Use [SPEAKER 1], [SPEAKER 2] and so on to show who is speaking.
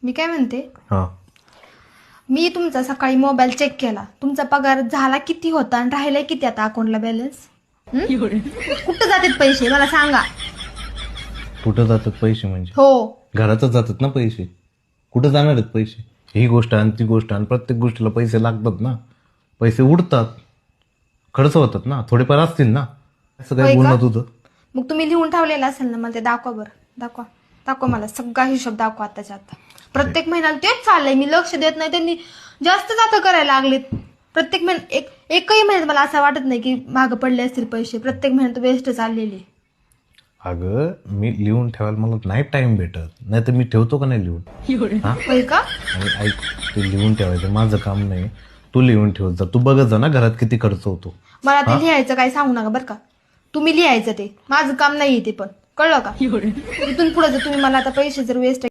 [SPEAKER 1] मी काय म्हणते,
[SPEAKER 2] हा
[SPEAKER 1] मी तुमचा सकाळी मोबाईल चेक केला, तुमचा पगार झाला किती होता आणि राहिलाय किती आता अकाउंटला बॅलन्स? कुठं जातात पैसे मला सांगा.
[SPEAKER 2] कुठं जातात पैसे म्हणजे
[SPEAKER 1] हो,
[SPEAKER 2] घरातच जातात ना पैसे. कुठं जाणार आहेत पैसे? ही गोष्ट आणि ती गोष्ट आणि प्रत्येक गोष्टीला पैसे लागतात ना. पैसे उडतात, खर्च होतात ना, थोडेफार असतील ना. असं
[SPEAKER 1] होय
[SPEAKER 2] काय
[SPEAKER 1] का?
[SPEAKER 2] बोलणं तुझं?
[SPEAKER 1] मग तुम्ही लिहून ठेवलेलं असेल ना, मला ते दाखवा बरं. दाखवा मला सगळा हिशोब दाखवा आताच्या आता. प्रत्येक महिन्याला तेच चाललंय, मी लक्ष देत नाही, त्यांनी जास्त जातं करायला लागलेत. प्रत्येक एकही महिन्यात मला असं वाटत नाही की मागं पडले असतील पैसे. प्रत्येक महिन्यात वेस्ट चाललेले.
[SPEAKER 2] अगं मी लिहून ठेवायला मला नाही टाइम भेटत, नाही तर मी ठेवतो का नाही लिहून. हा
[SPEAKER 1] होय का?
[SPEAKER 2] आणि ऐक, ते लिहून ठेवायचं माझं काम नाही. तू लिहून ठेवत जा. तू बघत जा ना घरात किती खर्च होतो.
[SPEAKER 1] मला ते लिहायचं काय सांगू नका बरं का. तुम्ही लिहायचं, ते माझं काम नाहीये ते. पण कळलं का? इथून पुढे जर तुम्ही मला आता पैसे जर वेस्ट